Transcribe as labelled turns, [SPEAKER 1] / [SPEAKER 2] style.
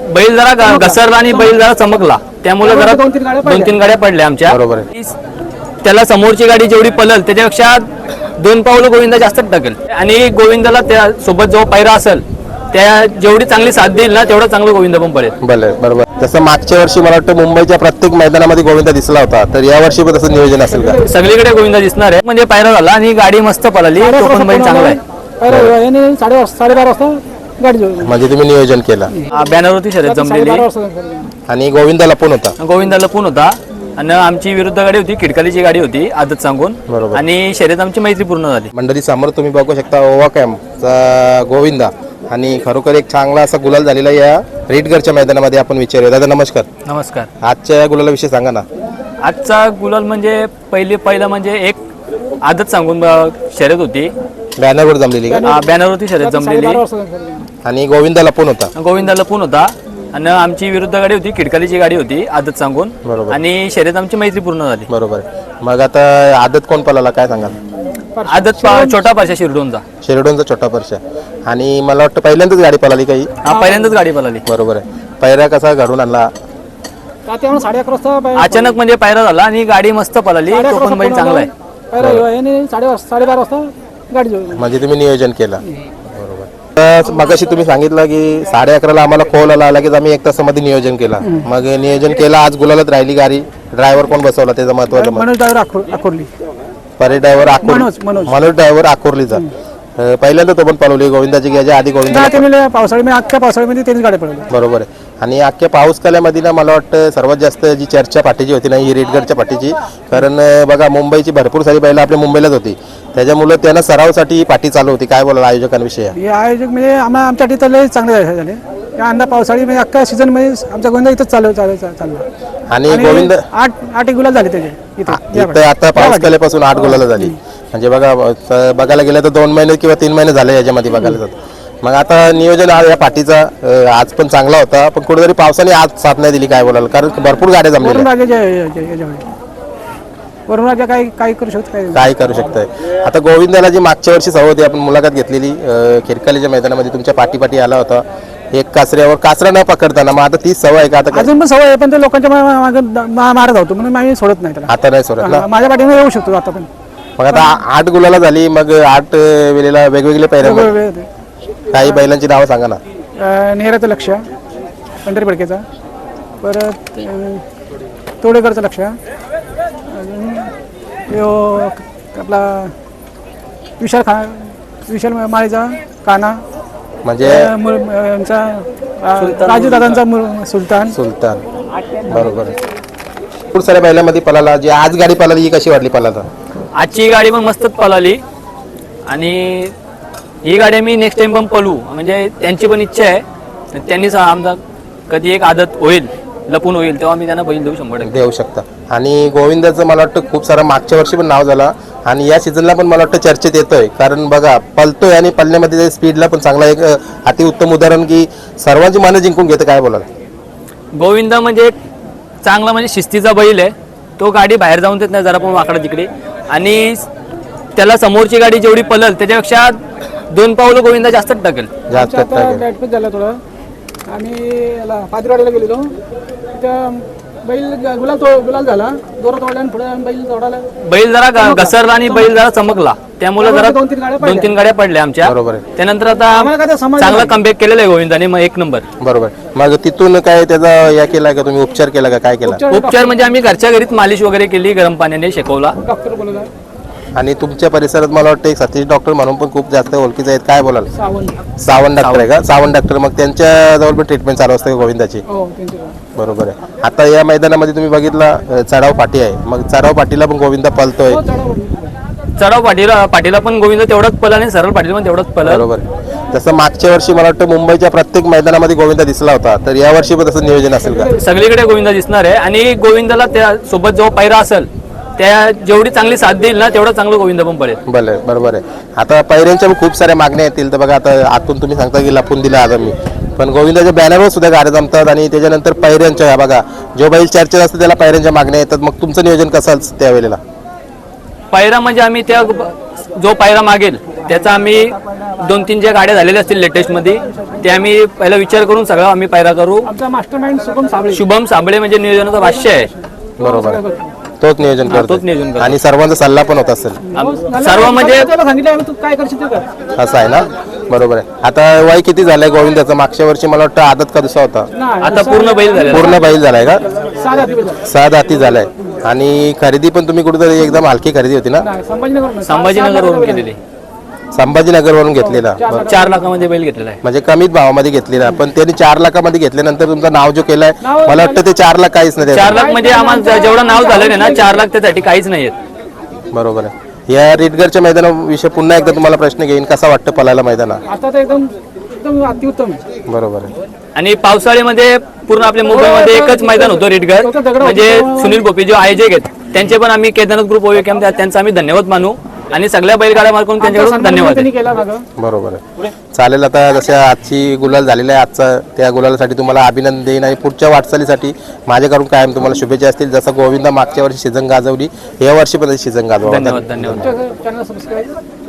[SPEAKER 1] बैल जरा घसरला आणि बैल जरा चमकला, त्यामुळे जरा दोन तीन गाड्या पडल्या आमच्या.
[SPEAKER 2] बरोबर आहे.
[SPEAKER 1] त्याला समोरची गाडी जेवढी पलल त्याच्यापेक्षा 2 पावलं गोविंदा जास्त टाकेल. आणि गोविंदाला त्या सोबत जो पायरा असेल त्या जेवढी चांगली साथ देईल ना तेवढं चांगलं गोविंदा पण पडेल.
[SPEAKER 2] बरोबर. जसं मागच्या वर्षी मला वाटतं मुंबईच्या प्रत्येक मैदानामध्ये गोविंदा दिसला होता, तर या वर्षी पण तसं नियोजन असेल का?
[SPEAKER 1] सगळीकडे गोविंदा दिसणार आहे. म्हणजे पायरा झाला आणि गाडी मस्त पळाली, तो पण बैल चांगला आहे.
[SPEAKER 3] 12:30 वाजता गाडी
[SPEAKER 2] म्हणजे तुम्ही नियोजन केलं.
[SPEAKER 1] बॅनरवरती शर्यत जमलेली
[SPEAKER 2] आणि गोविंदाला पण होता.
[SPEAKER 1] गोविंदा लपून होता आणि आमची विरुद्ध गाडी होती, खिडकालीची गाडी होती आदत सांगून.
[SPEAKER 2] बरोबर.
[SPEAKER 1] आणि शर्यत आमची मैत्री पूर्ण झाली.
[SPEAKER 2] मंडळी समोर तुम्ही बघू शकता ओवा कॅम्पचा गोविंदा आणि खरोखर एक चांगला असा गुलाल झालेला या रेडगरच्या मैदानामध्ये आपण विचारूया. दादा नमस्कार.
[SPEAKER 1] नमस्कार.
[SPEAKER 2] आजच्या या गुलालाविषयी सांगा ना.
[SPEAKER 1] आजचा गुलाल म्हणजे पहिला म्हणजे एक आदत सांगून शर्यत होती,
[SPEAKER 2] बॅनरवर जमलेली का?
[SPEAKER 1] बॅनरवरती शर्यत जमलेली
[SPEAKER 2] आणि गोविंदाला पण होता.
[SPEAKER 1] गोविंदा लपून होता आणि आमची विरुद्ध गाडी होती, खिडकालीची गाडी होती आदत सांगून.
[SPEAKER 2] बरोबर.
[SPEAKER 1] आणि शर्यत आमची मैत्री पूर्ण झाली.
[SPEAKER 2] बरोबर. मग आता आदत कोण पळाला काय सांगाल?
[SPEAKER 1] आदत छोटा पारशा
[SPEAKER 2] शिरडोनचा छोटा परशा. आणि मला वाटतं पहिल्यांदाच गाडी पळाली काही?
[SPEAKER 1] पहिल्यांदाच गाडी पळाली.
[SPEAKER 2] बरोबर आहे. पायरा कसा घडून आणला?
[SPEAKER 3] 11:30 वाजता
[SPEAKER 1] अचानक म्हणजे पायरा झाला आणि गाडी मस्त पळाली, तो पण बैल चांगला आहे.
[SPEAKER 3] 12:30 वाजता गाडी
[SPEAKER 2] म्हणजे तुम्ही नियोजन केलं. बरोबर. तर मगाशी तुम्ही सांगितलं की 11:30ला आम्हाला कॉल आला, लगेच आम्ही 1 तासामध्ये नियोजन केलं. मग नियोजन केलं, आज गुलालात राहिली गाडी. ड्रायव्हर कोण बसवला त्याचं महत्वाचं?
[SPEAKER 3] Manoj driver Akorli.
[SPEAKER 2] Parade driver
[SPEAKER 3] Manoj
[SPEAKER 2] driver अकोरलीचा. पहिल्यांदा तो पण पळवली गोविंदाची घ्यायच्या आधी गोविंदा
[SPEAKER 3] अख्ख्या पावसाळ्यामध्ये त्यांनी गाडी पळवली.
[SPEAKER 2] बरोबर आहे. आणि अख्ख्या पाऊस काल्यामध्ये ना मला वाटतं सर्वात जास्त जी चर्चा पाठीची होती ना ही रेडगरच्या पाठीची. कारण बघा मुंबईची भरपूर सारी बैलं आपल्या मुंबईलाच होती, त्याच्यामुळे त्यांना सरावासाठी ही पाठी चालू होती. काय बोलाल आयोजकांविषयी?
[SPEAKER 3] हे आयोजक म्हणजे आमच्यासाठी तर चांगले झाले. या अंदा पावसाळी म्हणजे अख्ख्या सीझन मध्ये आमचा गोविंदा इथंच चालला.
[SPEAKER 2] आणि गोविंद
[SPEAKER 3] 8 गुलाल झाले त्याचे
[SPEAKER 2] इथं. आता पाऊस काल्यापासून 8 गुलाला झाली. म्हणजे बघायला गेलं तर 2 महिने किंवा 3 महिने झाले याच्यामध्ये बघायला जात. मग आता नियोजन या पाठीचा आज पण चांगला होता, पण कुठेतरी पावसाने आज साथ नाही दिली. काय बोलाल? कारण भरपूर गाड्या जमल्या.
[SPEAKER 3] वरून राजा काय करू शकतो?
[SPEAKER 2] काय करू शकतोय? आता गोविंदाला जी मागच्या वर्षी सवय होती, आपण मुलाखत घेतलेली खिडकालीच्या मैदानामध्ये, तुमच्या पाठी आला होता एक कासरा न पकडताना. मग आता तीच सवय आहे का? आता
[SPEAKER 3] अजून पण सवय आहे, पण ते लोकांच्या मारत होतो म्हणून आम्ही सोडत नाही त्याला.
[SPEAKER 2] आता नाही सोडत ना?
[SPEAKER 3] माझ्या पाठीने येऊ शकतो आता पण.
[SPEAKER 2] मग आता 8 गुलाला झाली, मग 8 वेळेला वेगवेगळे पैरे. काही बैलांची नावं सांगा ना.
[SPEAKER 3] नेहराचं लक्ष, पंढरी फडकेचा, परत तोडेकरचं लक्ष, अजून आपला विशाल माळीचा काना,
[SPEAKER 2] म्हणजे
[SPEAKER 3] राजू दादांचा सुलतान.
[SPEAKER 2] बरोबर. खूप साऱ्या बैलांमध्ये पळाला. जी आज गाडी पळाली ही कशी वाटली पळाला?
[SPEAKER 1] आजची गाडी पण मस्तच पळाली आणि ही गाडी मी नेक्स्ट टाइम पण पळू, म्हणजे त्यांची पण इच्छा आहे. त्यांनीच आमचा कधी एक आदत होईल, लपून होईल, तेव्हा मी त्यांना बैल देऊ शकता. आणि गोविंदाचं मला वाटतं खूप सारा मागच्या वर्षी पण नाव झाला आणि या सीझनला पण मला वाटतं चर्चेत येतोय. कारण बघा पळतोय आणि पळण्यामध्ये स्पीडला पण चांगला एक अतिउत्तम उदाहरण की सर्वांची मनं जिंकून घेतं. काय बोलाल? गोविंदा म्हणजे चांगला म्हणजे शिस्तीचा बैल आहे. तो गाडी बाहेर जाऊन देत नाही जरा पण वाकडा तिकडे. आणि त्याला समोरची गाडी जेवढी पळल त्याच्यापेक्षा 2 पावलं गोविंदा जास्त टाकेल.
[SPEAKER 3] झाला थोडं. आम्ही याला पादरवाडीला गेलेलो, बैल गुलाल झाला, जोरात ओढला आणि पुढे बैल तोडाला.
[SPEAKER 1] बैल जरा घसरला आणि बैल जरा चमकला, त्यामुळे जरा 2-3 गाड्या पडल्या आमच्या.
[SPEAKER 2] बरोबर.
[SPEAKER 1] त्यानंतर आता चांगला कमबॅक केलेला आहे गोविंदाने, मग 1 नंबर.
[SPEAKER 2] बरोबर. मग तिथून काय त्याचा या केला का तुम्ही? उपचार केला का? काय केला?
[SPEAKER 1] उपचार म्हणजे आम्ही घरच्या घरीच मालिश वगैरे केली, गरम पाण्याने शेकवला.
[SPEAKER 3] डॉक्टर बोलला.
[SPEAKER 2] आणि तुमच्या परिसरात मला वाटतं एक सतीश डॉक्टर म्हणून पण खूप जास्त ओळखीचे आहेत. काय बोलाल? सावंत डॉक्टर आहे का? सावंत डॉक्टर. मग त्यांच्या जवळ पण ट्रीटमेंट चालू असते गोविंदाची? बरोबर आहे. आता या मैदानामध्ये तुम्ही बघितला चढाव पाठी आहे, मग चढाव पाठीला पण गोविंदा पळतोय.
[SPEAKER 1] चढाव पाठीला पण गोविंदा तेवढाच पळला आणि सरळ पाठीला पण तेवढाच पळला.
[SPEAKER 2] बरोबर. जसं मागच्या वर्षी मला वाटतं मुंबईच्या प्रत्येक मैदानामध्ये गोविंदा दिसला होता, तर या वर्षी पण तसं नियोजन असेल का?
[SPEAKER 1] सगळीकडे गोविंदा दिसणार आहे. आणि गोविंदाला त्या सोबत जो पायरा असेल त्या जेवढी चांगली साथ देईल ना तेवढं चांगलं गोविंदा पण पडेल.
[SPEAKER 2] बरोबर आहे. आता पैऱ्यांच्या खूप साऱ्या मागण्या येतील. तर बघा आता आतून तुम्ही सांगता की लपून दिला आज आम्ही, पण गोविंदाच्या बॅनरवर सुद्धा गाड्या जमतात. आणि त्याच्यानंतर पैऱ्यांच्या बघा जो बैल चर्चेत असतो त्याला पैऱ्यांच्या मागण्या येतात. मग तुमचं नियोजन कसं त्यावेळेला?
[SPEAKER 1] पायरा म्हणजे आम्ही त्या जो पायरा मागेल त्याचा आम्ही 2-3 ज्या गाड्या झालेल्या असतील लेटेस्टमध्ये ते आम्ही पहिला विचार करून सगळं आम्ही पायरा करू.
[SPEAKER 3] आमचा मास्टर माइंड
[SPEAKER 1] शुभम साबळे म्हणजे नियोजनाचा भाष्य आहे.
[SPEAKER 2] बरोबर आहे. तोच नियोजन करतो
[SPEAKER 1] तोच नियोजन करतो.
[SPEAKER 2] आणि सर्वांचा सल्ला पण होत असेल
[SPEAKER 1] सर्व म्हणजे
[SPEAKER 3] सांगितलं आम्ही तू काय करशील ते कर.
[SPEAKER 2] असं आहे ना. बरोबर आहे. आता वय किती झालंय गोविंदाचं? मागच्या वर्षी मला वाटतं आदत का दुसरा होता?
[SPEAKER 3] नाही,
[SPEAKER 1] आता पूर्ण बैल झालेला आहे.
[SPEAKER 2] पूर्ण बैल झालाय का?
[SPEAKER 3] 6 जाती बैल झाले.
[SPEAKER 2] 6 दाती झालाय. आणि खरेदी पण तुम्ही कुठेतरी एकदम हलकी खरेदी होती ना?
[SPEAKER 3] नाही, संभाजीनगर
[SPEAKER 1] संभाजीनगरवरून केलेली.
[SPEAKER 2] संभाजीनगरवरून घेतलेला.
[SPEAKER 1] 4 लाखामध्ये बैल घेतलेला आहे.
[SPEAKER 2] म्हणजे कमीत भावामध्ये घेतलेला. पण त्यांनी 4 लाखामध्ये घेतल्यानंतर तुमचं नाव जो केलंय मला वाटतं ते 4 लाख काहीच नाही.
[SPEAKER 1] 4 लाख म्हणजे आम्हाला जेवढं नाव झालं ना 4 लाख त्यासाठी काहीच नाही आहेत.
[SPEAKER 2] बरोबर आहे. या रिटगरच्या मैदानाविषयी पुन्हा एकदा तुम्हाला प्रश्न घेईन, कसा वाटतं पलायला मैदानात?
[SPEAKER 3] आता तर एकदम एकदम अतिउत्तम आहे.
[SPEAKER 2] बरोबर आहे.
[SPEAKER 1] आणि पावसाळ्यामध्ये पूर्ण आपल्या मुंबईमध्ये एकच मैदान होतं रेडगर, म्हणजे सुनील गोपी जो आयोजक आहेत त्यांचे पण आम्ही केदारनाथ ग्रुप ओएकेम त्यांचा आम्ही धन्यवाद मानू आणि सगळ्या बैलगाड्या मार्फत त्यांच्याकडून धन्यवाद
[SPEAKER 3] त्यांनी
[SPEAKER 1] आहे.
[SPEAKER 3] केला मागं.
[SPEAKER 2] बरोबर आहे. चालेल. आता जसं आजची गुलाल झालेला आहे आजचा, त्या गुलालासाठी तुम्हाला अभिनंदन देईन आणि पुढच्या वाटचालीसाठी माझ्याकडून कायम तुम्हाला शुभेच्छा असतील. जसं गोविंदा मागच्या वर्षी सीझन गाजवली, या वर्षी पण सीझन गाजवा.
[SPEAKER 1] धन्यवाद.
[SPEAKER 3] Channel subscribe